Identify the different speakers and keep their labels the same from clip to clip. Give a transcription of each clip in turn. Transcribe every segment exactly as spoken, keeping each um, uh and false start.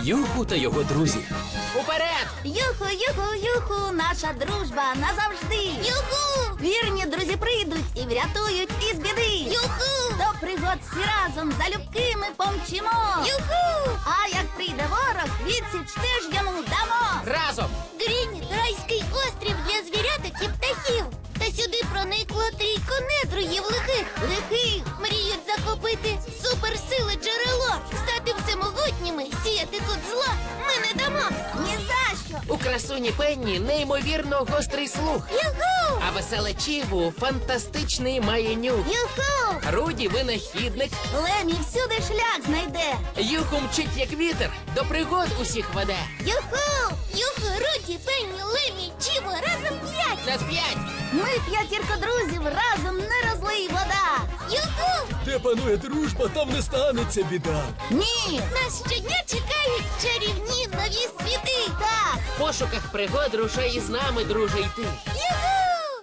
Speaker 1: Юху та його друзі.
Speaker 2: Уперед!
Speaker 3: Юху, юху, юху, наша дружба назавжди. Юху! Вірні друзі прийдуть і врятують із біди. Юху! До пригод всі разом залюбки ми помчимо. Юху! А як прийде ворог, відсіч теж йому дамо.
Speaker 2: Разом!
Speaker 3: Грініт – райський острів для звіряток і птахів. Та сюди проникло трійко недругів лихих. Лихих мріють захопити суперсили джерело, стати всемогутніми, сіяти тут зло ми не дамо. Ні за що.
Speaker 2: У красуні Пенні неймовірно гострий слух.
Speaker 3: Юху!
Speaker 2: А веселе Чіву фантастичний має нюх.
Speaker 3: Юху!
Speaker 2: Руді винахідник.
Speaker 3: Лемі всюди шлях знайде.
Speaker 2: Юху мчить як вітер, до пригод усіх веде.
Speaker 3: Юху! Юху, Руді, Пенні, Лемі, Чіво, разом п'ять.
Speaker 2: Нас п'ять.
Speaker 3: Ми п'ятірка друзів, разом не розлий вода. Юху!
Speaker 1: Де панує дружба, там не станеться біда.
Speaker 3: Ні! Нас щодня чекають чарівні нові світи. Так!
Speaker 2: В пошуках пригод рушай із нами, друже, йти.
Speaker 3: Юху!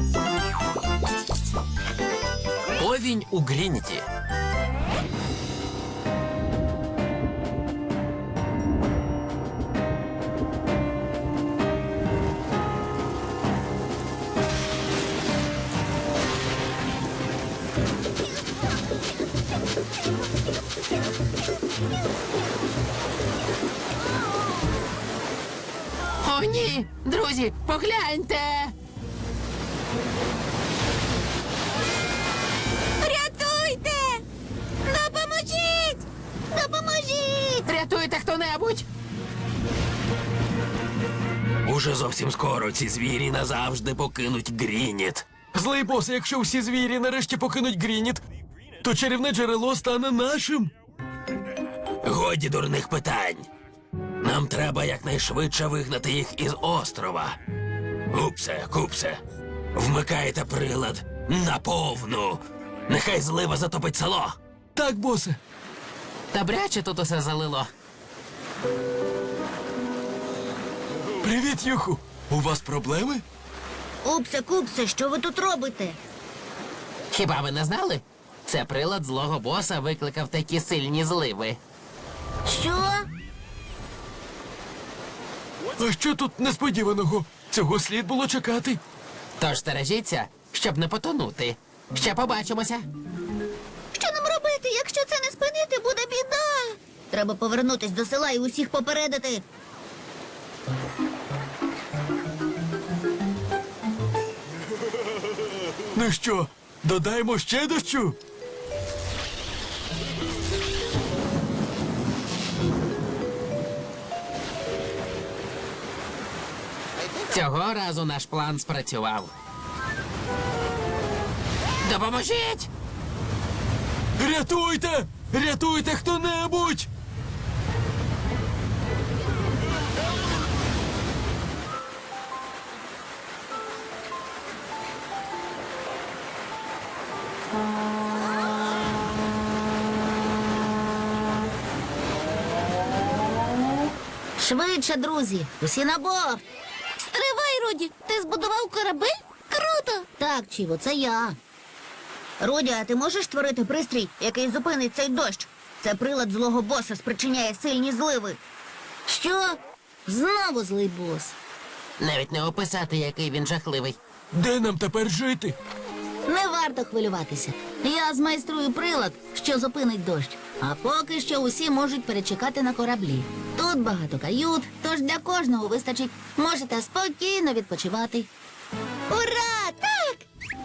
Speaker 1: Повінь у Грініті.
Speaker 2: О, ні! Друзі, погляньте!
Speaker 3: Рятуйте! Допоможіть! Допоможіть!
Speaker 2: Рятуйте хто-небудь!
Speaker 1: Уже зовсім скоро ці звірі назавжди покинуть Грініт. Злий бос, якщо всі звірі нарешті покинуть Грініт, то чарівне джерело стане нашим. Годі дурних питань. Нам треба якнайшвидше вигнати їх із острова. Купсе, купсе, вмикайте прилад наповну. Нехай злива затопить село. Так, босе.
Speaker 2: Добряче тут усе залило.
Speaker 1: Привіт, Юху. У вас проблеми?
Speaker 3: Упсе, купсе, що ви тут робите?
Speaker 2: Хіба ви не знали? Це прилад злого боса викликав такі сильні зливи.
Speaker 3: Що?
Speaker 1: А що тут несподіваного? Цього слід було чекати.
Speaker 2: Тож стережіться, щоб не потонути. Ще побачимося.
Speaker 3: Що нам робити, якщо це не спинити, буде біда? Треба повернутись до села і усіх попередити.
Speaker 1: Ну що, додаємо ще дощу?
Speaker 2: Цього разу наш план спрацював. Допоможіть!
Speaker 1: Рятуйте! Рятуйте хто-небудь!
Speaker 3: Швидше, друзі, усі на борт. Стривай, Руді, ти збудував корабель? Круто! Так, Чіво, це я. Руді, а ти можеш створити пристрій, який зупинить цей дощ? Це прилад злого боса спричиняє сильні зливи. Що? Знову злий бос.
Speaker 2: Навіть не описати, який він жахливий.
Speaker 1: Де нам тепер жити?
Speaker 3: Не варто хвилюватися. Я змайструю прилад, що зупинить дощ. А поки що усі можуть перечекати на кораблі. Тут багато кают, тож для кожного вистачить. Можете спокійно відпочивати. Ура! Так!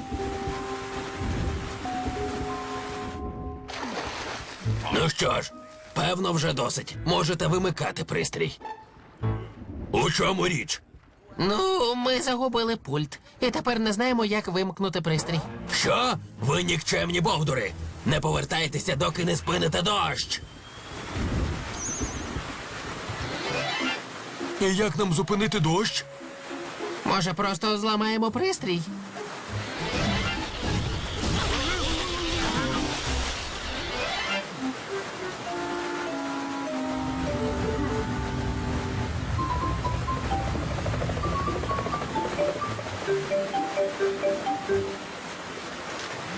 Speaker 1: Ну що ж, певно, вже досить. Можете вимикати пристрій. У чому річ?
Speaker 2: Ну, ми загубили пульт. І тепер не знаємо, як вимкнути пристрій.
Speaker 1: Що? Ви нікчемні бовдури! Не повертайтеся, доки не спините дощ! І як нам зупинити дощ?
Speaker 2: Може, просто зламаємо пристрій?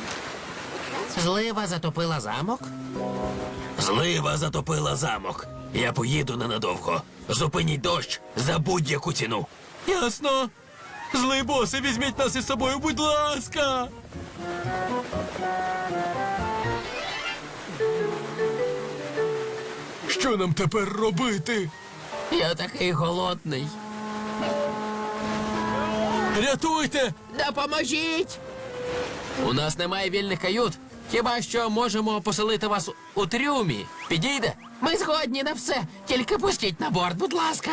Speaker 2: Злива затопила замок?
Speaker 1: Злива затопила замок. Я поїду ненадовго. Зупиніть дощ за будь-яку ціну. Ясно. Злий босе, візьміть нас із собою, будь ласка. Що нам тепер робити?
Speaker 2: Я такий голодний.
Speaker 1: Рятуйте!
Speaker 2: Допоможіть! У нас немає вільних кают. Хіба що можемо поселити вас у трюмі. Підійде? Ми згодні на все. Тільки пустіть на борт, будь ласка.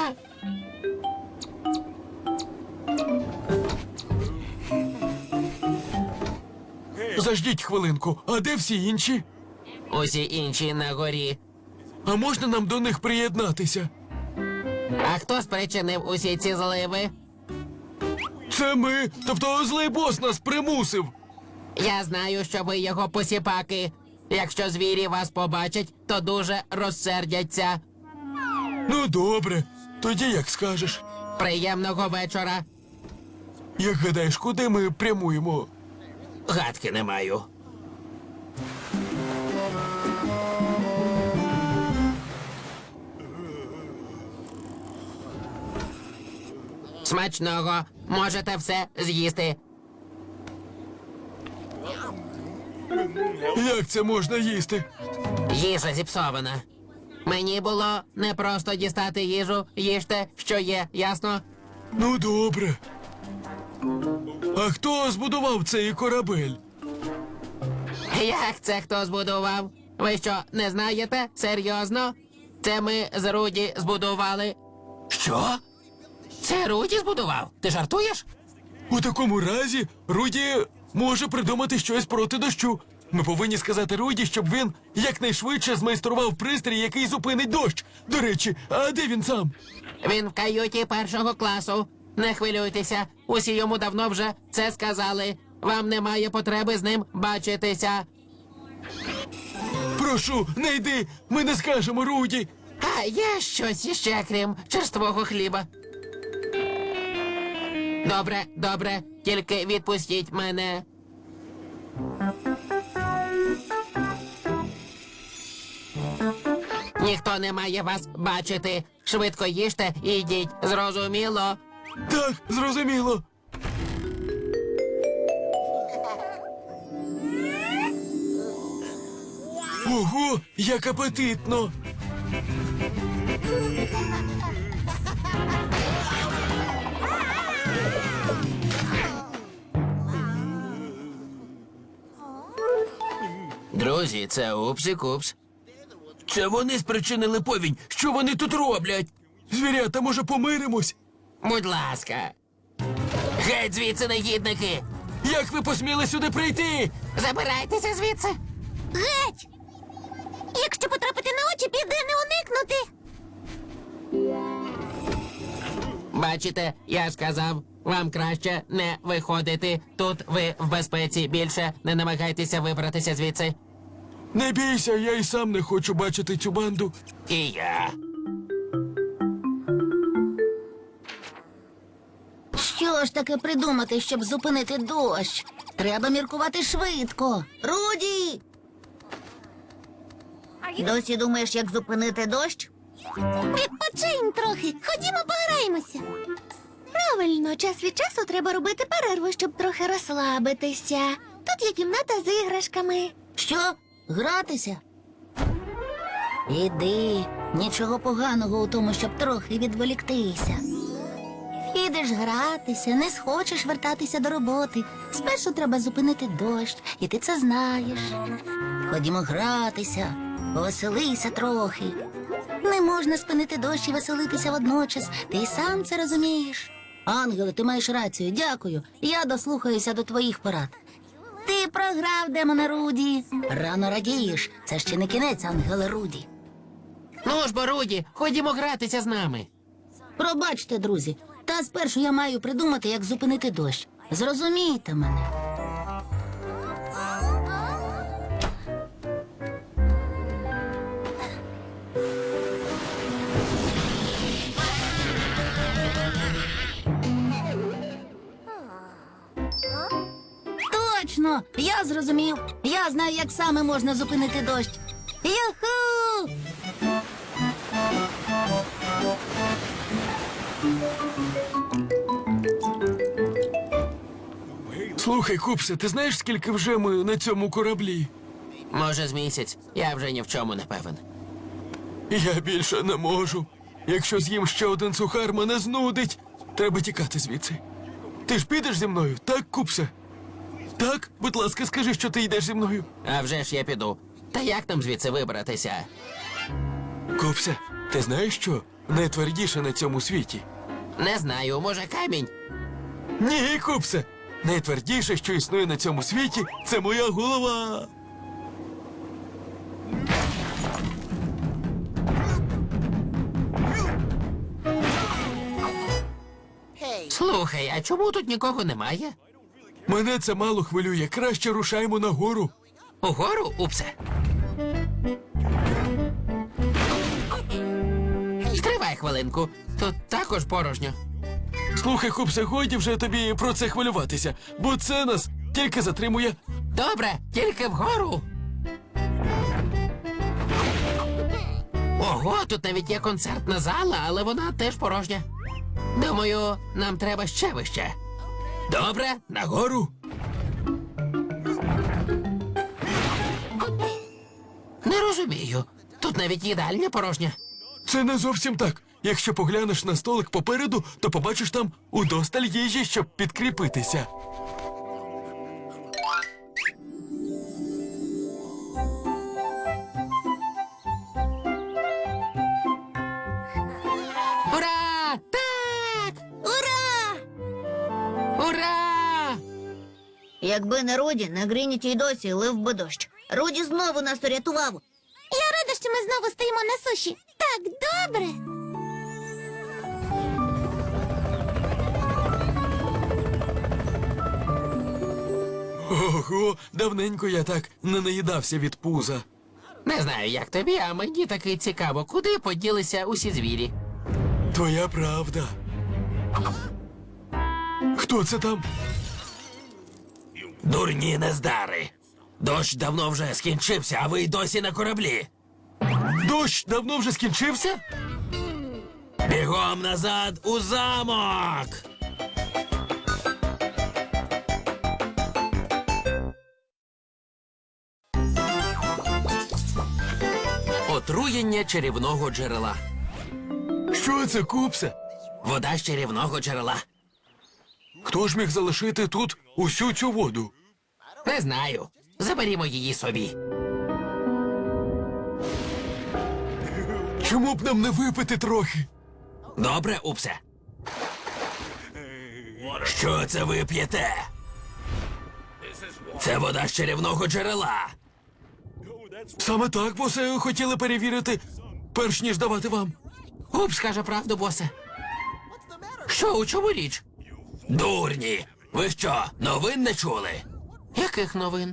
Speaker 1: Заждіть хвилинку, а де всі інші?
Speaker 2: Усі інші на горі.
Speaker 1: А можна нам до них приєднатися?
Speaker 2: А хто спричинив усі ці зливи?
Speaker 1: Це ми, тобто злий бос нас примусив.
Speaker 2: Я знаю, що ви його посіпаки. Якщо звірі вас побачать, то дуже розсердяться.
Speaker 1: Ну добре, тоді як скажеш.
Speaker 2: Приємного вечора.
Speaker 1: Як гадаєш, куди ми прямуємо?
Speaker 2: Гадки не маю. Смачного. Можете все з'їсти.
Speaker 1: Як це можна їсти?
Speaker 2: Їжа зіпсована. Мені було не просто дістати їжу. Їжте, що є, ясно?
Speaker 1: Ну добре. А хто збудував цей корабель?
Speaker 2: Як це хто збудував? Ви що, не знаєте? Серйозно? Це ми з Руді збудували. Що? Це Руді збудував? Ти жартуєш?
Speaker 1: У такому разі Руді може придумати щось проти дощу. Ми повинні сказати Руді, щоб він якнайшвидше змайстрував пристрій, який зупинить дощ. До речі, а де він сам?
Speaker 2: Він в каюті першого класу. Не хвилюйтеся, усі йому давно вже це сказали. Вам немає потреби з ним бачитися.
Speaker 1: Прошу, не йди, ми не скажемо Руді.
Speaker 2: А є щось іще, крім черствого хліба. Добре, добре, тільки відпустіть мене. Ніхто не має вас бачити. Швидко їжте і йдіть. Зрозуміло?
Speaker 1: Так, зрозуміло. Ого, як апетитно.
Speaker 2: Друзі, це Упсі-Купс.
Speaker 1: Це вони спричинили повінь. Що вони тут роблять? Звірята, може, помиримось?
Speaker 2: Будь ласка. Геть звідси, негідники!
Speaker 1: Як ви посміли сюди прийти?
Speaker 2: Забирайтеся звідси!
Speaker 3: Геть! Якщо потрапити на очі, піде не уникнути.
Speaker 2: Бачите, я сказав, вам краще не виходити. Тут ви в безпеці. Більше не намагайтеся вибратися звідси.
Speaker 1: Не бійся, я й сам не хочу бачити цю банду.
Speaker 2: І я.
Speaker 3: Що ж таке придумати, щоб зупинити дощ? Треба міркувати швидко. Руді! Досі думаєш, як зупинити дощ? Відпочинь трохи. Ходімо пограємося. Правильно, час від часу треба робити перерву, щоб трохи розслабитися. Тут є кімната з іграшками. Що? Гратися? Іди. Нічого поганого у тому, щоб трохи відволіктися. Підеш гратися, не схочеш вертатися до роботи. Спершу треба зупинити дощ, і ти це знаєш. Ходімо гратися, повеселися трохи. Не можна спинити дощ і веселитися водночас. Ти й сам це розумієш. Ангеле, ти маєш рацію, дякую. Я дослухаюся до твоїх порад. Ти програв, демоне Руді. Рано радієш. Це ще не кінець, Ангеле Руді.
Speaker 2: Ну ж, бо, Руді, ходімо гратися з нами.
Speaker 3: Пробачте, друзі, та спершу я маю придумати, як зупинити дощ. Зрозумійте мене. Точно! Я зрозумів. Я знаю, як саме можна зупинити дощ. Юху!
Speaker 1: Слухай, Купсе, ти знаєш, скільки вже ми на цьому кораблі?
Speaker 2: Може, з місяць. Я вже ні в чому не певен.
Speaker 1: Я більше не можу. Якщо з'їм ще один сухар, мене знудить. Треба тікати звідси. Ти ж підеш зі мною, так, Купсе? Так, будь ласка, скажи, що ти йдеш зі мною.
Speaker 2: А вже ж я піду. Та як нам звідси вибратися?
Speaker 1: Купсе, ти знаєш що? Найтвердіше на цьому світі.
Speaker 2: Не знаю, може камінь?
Speaker 1: Ні, Купсе! Найтвердіше, що існує на цьому світі, це моя голова.
Speaker 2: Слухай, а чому тут нікого немає?
Speaker 1: Мене це мало хвилює. Краще рушаймо нагору.
Speaker 2: Угору, Упсе? Стривай хвилинку. Тут також порожньо.
Speaker 1: Слухай, Купсе, годі вже тобі про це хвилюватися, бо це нас тільки затримує.
Speaker 2: Добре, тільки вгору. Ого, тут навіть є концертна зала, але вона теж порожня. Думаю, нам треба ще вище. Добре, нагору. Не розумію. Тут навіть їдальня порожня.
Speaker 1: Це не зовсім так. Якщо поглянеш на столик попереду, то побачиш там удосталь їжі, щоб підкріпитися.
Speaker 2: Ура! Так!
Speaker 3: Ура!
Speaker 2: Ура!
Speaker 3: Якби не Руді, на Грініті й досі лив би дощ. Руді знову нас урятував. Я рада, що ми знову стоїмо на суші. Так добре.
Speaker 1: Ого, давненько я так не наїдався від пуза.
Speaker 2: Не знаю, як тобі, а мені таки цікаво, куди поділися усі звірі.
Speaker 1: Твоя правда. Хто це там?
Speaker 2: Дурні нездари. Дощ давно вже скінчився, а ви й досі на кораблі.
Speaker 1: Дощ давно вже скінчився?
Speaker 2: Бігом назад у замок! Отруєння чарівного джерела.
Speaker 1: Що це, Купсе?
Speaker 2: Вода з чарівного джерела.
Speaker 1: Хто ж міг залишити тут усю цю воду?
Speaker 2: Не знаю. Заберімо її собі.
Speaker 1: Чому б нам не випити трохи?
Speaker 2: Добре, Упсе. Що це ви п'єте? Це вода з чарівного джерела.
Speaker 1: Саме так, босе, хотіли перевірити, перш ніж давати вам.
Speaker 2: Упс каже правду, босе. Що, у чому річ? Дурні! Ви що, новин не чули? Яких новин?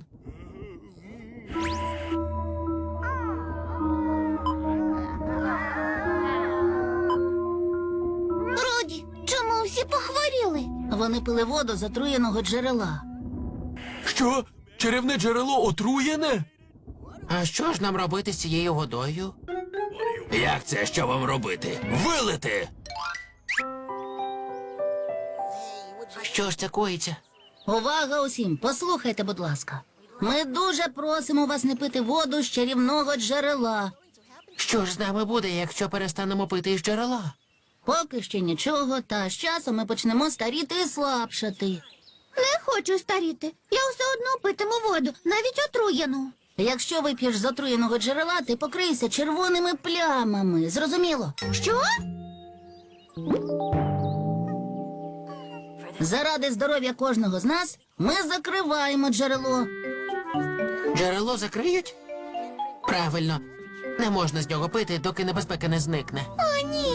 Speaker 3: Руді, чому всі похворіли? Вони пили воду з отруєного джерела.
Speaker 1: Що? Чарівне джерело отруєне?
Speaker 2: А що ж нам робити з цією водою? Як це, що вам робити? Вилити! Що ж це коїться?
Speaker 3: Увага усім, послухайте, будь ласка. Ми дуже просимо вас не пити воду з чарівного джерела.
Speaker 2: Що ж з нами буде, якщо перестанемо пити із джерела?
Speaker 3: Поки що нічого, та з часом ми почнемо старіти і слабшати. Не хочу старіти. Я все одно питиму воду, навіть отруєну. Якщо вип'єш з отруєного джерела, ти покрийся червоними плямами. Зрозуміло? Що? Заради здоров'я кожного з нас ми закриваємо джерело.
Speaker 2: Джерело закриють? Правильно. Не можна з нього пити, доки небезпека не зникне.
Speaker 3: О, ні.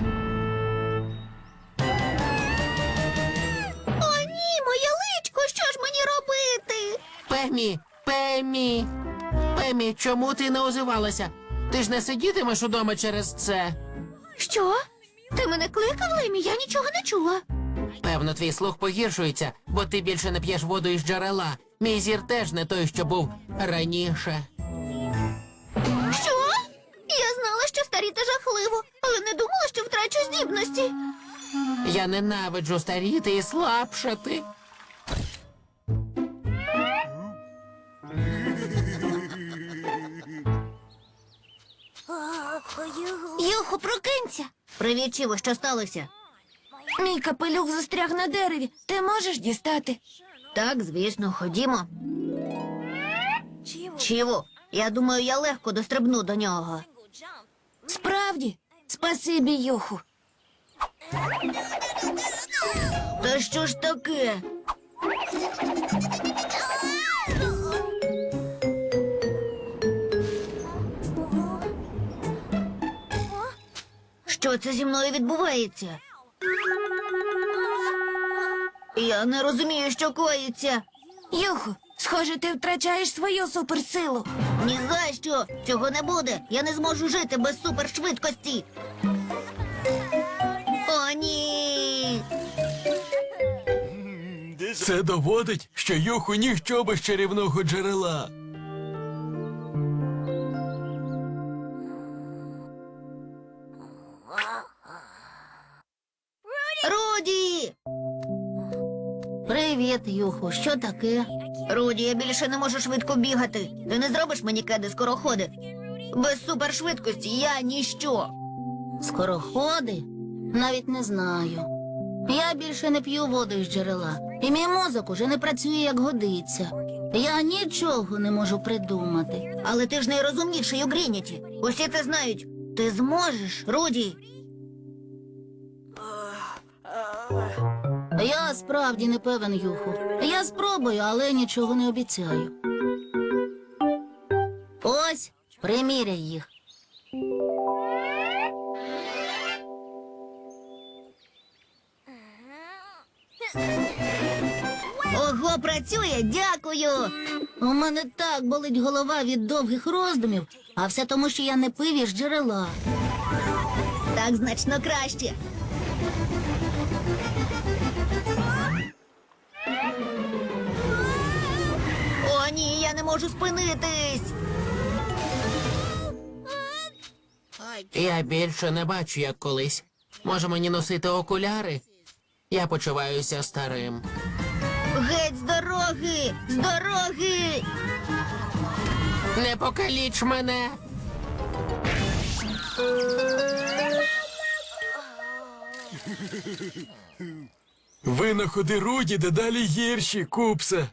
Speaker 3: О, ні, моє личко, що ж мені робити?
Speaker 2: Пемі, Пемі, Пемі, чому ти не озивалася? Ти ж не сидітимеш удома через це.
Speaker 3: Що? Ти мене кликав, Лемі? Я нічого не чула.
Speaker 2: Певно, твій слух погіршується, бо ти більше не п'єш воду із джерела. Мій зір теж не той, що був раніше.
Speaker 3: Що? Я знала, що старіти жахливо, але не думала, що втрачу здібності.
Speaker 2: Я ненавиджу старіти і слабшати.
Speaker 3: Юху, прокинься. Привіт, Чіво, що сталося? Мій капелюх застряг на дереві. Ти можеш дістати? Так, звісно, ходімо. Чіво, я думаю, я легко дострибну до нього. Справді? Спасибі, Юху. Та що ж таке? Що це зі мною відбувається? Я не розумію, що коїться. Юху, схоже, ти втрачаєш свою суперсилу. Ні за що! Цього не буде. Я не зможу жити без супершвидкості. О, ні!
Speaker 1: Це доводить, що Юху ніщо без чарівного джерела.
Speaker 3: Руді! Привіт, Юху. Що таке? Руді, я більше не можу швидко бігати. Ти не зробиш мені кеди скороходи? Без супершвидкості я ніщо. Скороходи? Навіть не знаю. Я більше не п'ю воду із джерела. І мій мозок уже не працює, як годиться. Я нічого не можу придумати. Але ти ж найрозумніший у Грініті. Усі це знають. Ти зможеш, Руді. Я справді не певен, Юху. Я спробую, але нічого не обіцяю. Ось, приміряй їх. Ого, працює, дякую. У мене так болить голова від довгих роздумів, а все тому, що я не пив із джерела. Так значно краще. О, ні, я не можу спинитись.
Speaker 2: Я більше не бачу, як колись. Може мені носити окуляри? Я почуваюся старим.
Speaker 3: Геть з дороги! З дороги!
Speaker 2: Не покаліч мене!
Speaker 1: Винаходи Руді дедалі гірші, Купсе.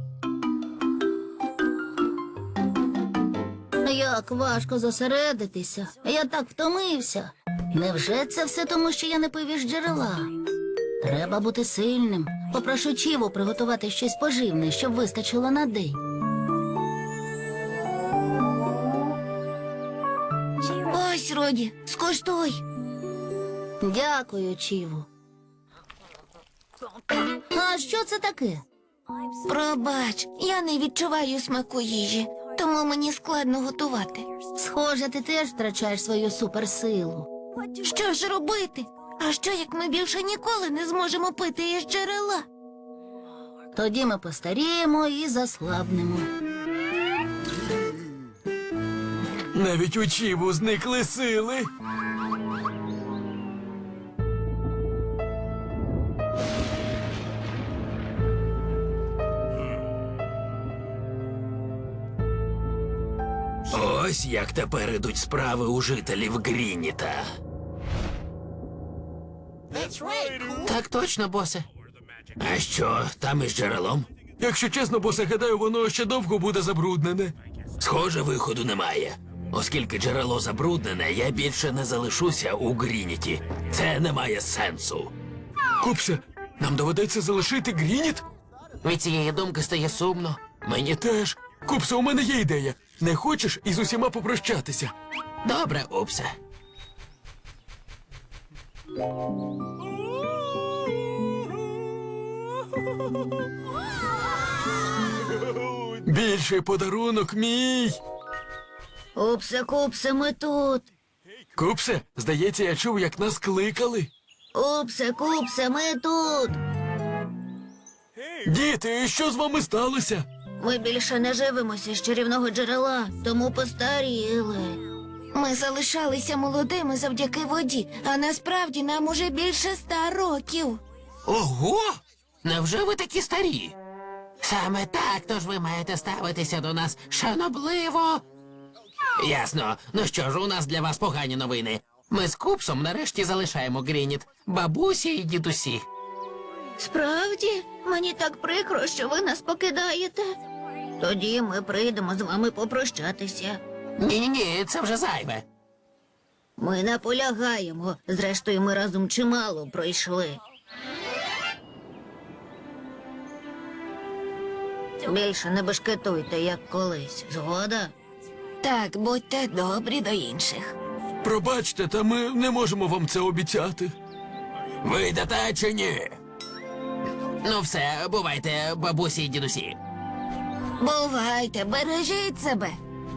Speaker 3: Як важко зосередитися. Я так втомився. Невже це все тому, що я не пив із джерела? Треба бути сильним. Попрошу Чіву приготувати щось поживне, щоб вистачило на день. Ось, Роді, скуштуй. Дякую, Чіву. А що це таке? Пробач, я не відчуваю смаку їжі, тому мені складно готувати. Схоже, ти теж втрачаєш свою суперсилу. Що ж робити? А що, як ми більше ніколи не зможемо пити із джерела? Тоді ми постаріємо і заслабнемо.
Speaker 1: Навіть у Чіву зникли сили. Ось як тепер ідуть справи у жителів Грініта.
Speaker 2: Так точно, босе.
Speaker 1: А що, там із джерелом? Якщо чесно, босе, гадаю, воно ще довго буде забруднене. Схоже, виходу немає. Оскільки джерело забруднене, я більше не залишуся у Грініті. Це не має сенсу. Купсе, нам доведеться залишити Грініт?
Speaker 2: Від цієї думки стає сумно.
Speaker 1: Мені теж. Купсе, у мене є ідея. Не хочеш із усіма попрощатися?
Speaker 2: Добре, Упсе.
Speaker 1: Більший подарунок мій.
Speaker 3: Упсе, Купсе, ми тут.
Speaker 1: Купсе, здається, я чув, як нас кликали.
Speaker 3: Упсе, Купсе, ми тут.
Speaker 1: Діти, що з вами сталося?
Speaker 3: Ми більше не живемося з чарівного джерела, тому постаріли. Ми залишалися молодими завдяки воді, а насправді нам уже більше ста років.
Speaker 2: Ого! Невже ви такі старі? Саме так, тож ви маєте ставитися до нас шанобливо. Ясно. Ну що ж, у нас для вас погані новини. Ми з Купсом нарешті залишаємо Грініт, бабусі і дідусі.
Speaker 3: Справді, мені так прикро, що ви нас покидаєте. Тоді ми прийдемо з вами попрощатися.
Speaker 2: Ні-ні-ні, це вже зайве.
Speaker 3: Ми наполягаємо. Зрештою, ми разом чимало пройшли. Більше не бешкетуйте, як колись. Згода? Так, будьте добрі до інших.
Speaker 1: Пробачте, та ми не можемо вам це обіцяти.
Speaker 2: Вийдете чи ні? Ну все, бувайте, бабусі і дідусі.
Speaker 3: Бувайте, бережіть себе.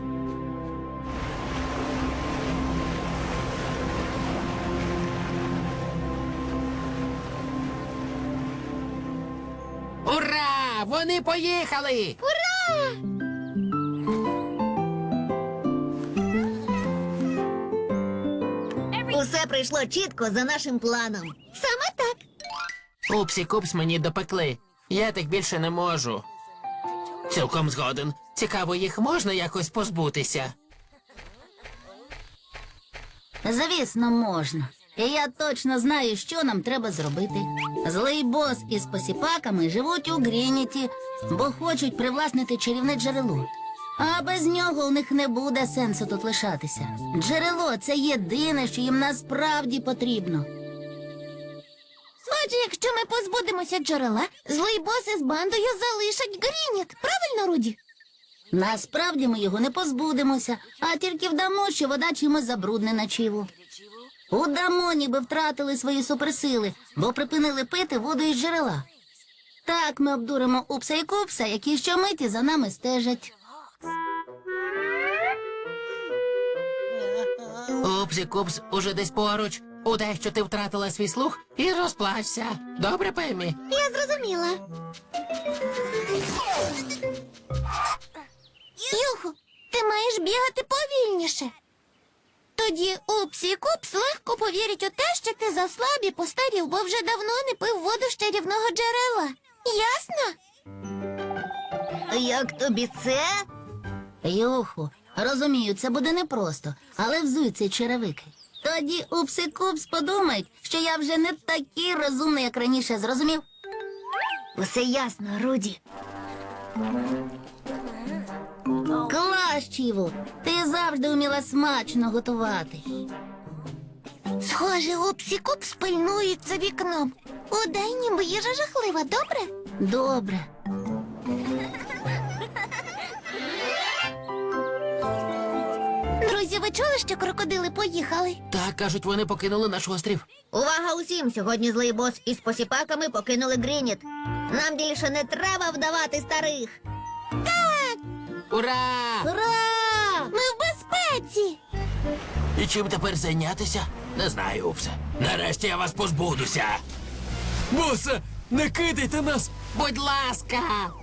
Speaker 2: Ура! Вони поїхали!
Speaker 3: Ура! Усе прийшло чітко за нашим планом. Саме так.
Speaker 2: Упсі Купс мені допекли. Я так більше не можу. Цілком згоден. Цікаво, їх можна якось позбутися?
Speaker 4: Звісно, можна. І я точно знаю, що нам треба зробити. Злий бос із посіпаками живуть у Грініті, бо хочуть привласнити чарівне джерело. А без нього у них не буде сенсу тут лишатися. Джерело це єдине, що їм насправді потрібно.
Speaker 3: Отже, якщо ми позбудемося джерела, злий бос із бандою залишать Грініт. Правильно, Руді?
Speaker 4: Насправді ми його не позбудемося, а тільки вдамо, що вода чимось забруднена чиву. Удамо, ніби втратили свої суперсили, бо припинили пити воду із джерела. Так ми обдуримо Упса і Купса, які щомиті за нами стежать.
Speaker 2: Упсі Купс уже десь поруч. Удай, що ти втратила свій слух, і розплачся. Добре, Пеммі?
Speaker 3: Я зрозуміла. Юху, ти маєш бігати повільніше. Тоді Упсі і Купс легко повірять у те, що ти заслаб і постарів, бо вже давно не пив воду з чарівного джерела. Ясно? Як тобі це?
Speaker 4: Юху, розумію, це буде непросто, але взуй цей черевики. Тоді Упс і Купс подумають, що я вже не такий розумний, як раніше, зрозумів?
Speaker 3: Усе ясно, Руді.
Speaker 4: Клас, Чіву, ти завжди вміла смачно готувати.
Speaker 3: Схоже, Упсі і Купс пильнують за вікном. Удай, ніби їжа жахлива, добре?
Speaker 4: Добре.
Speaker 3: Друзі, ви чули, що крокодили поїхали?
Speaker 2: Так, кажуть, вони покинули наш острів.
Speaker 3: Увага усім! Сьогодні злий бос із посіпаками покинули Грініт. Нам більше не треба вдавати старих.
Speaker 2: Ура!
Speaker 3: Ура! Ми в безпеці!
Speaker 2: І чим тепер зайнятися? Не знаю, Упсе. Нарешті я вас позбудуся.
Speaker 1: Босе, не кидайте нас!
Speaker 2: Будь ласка!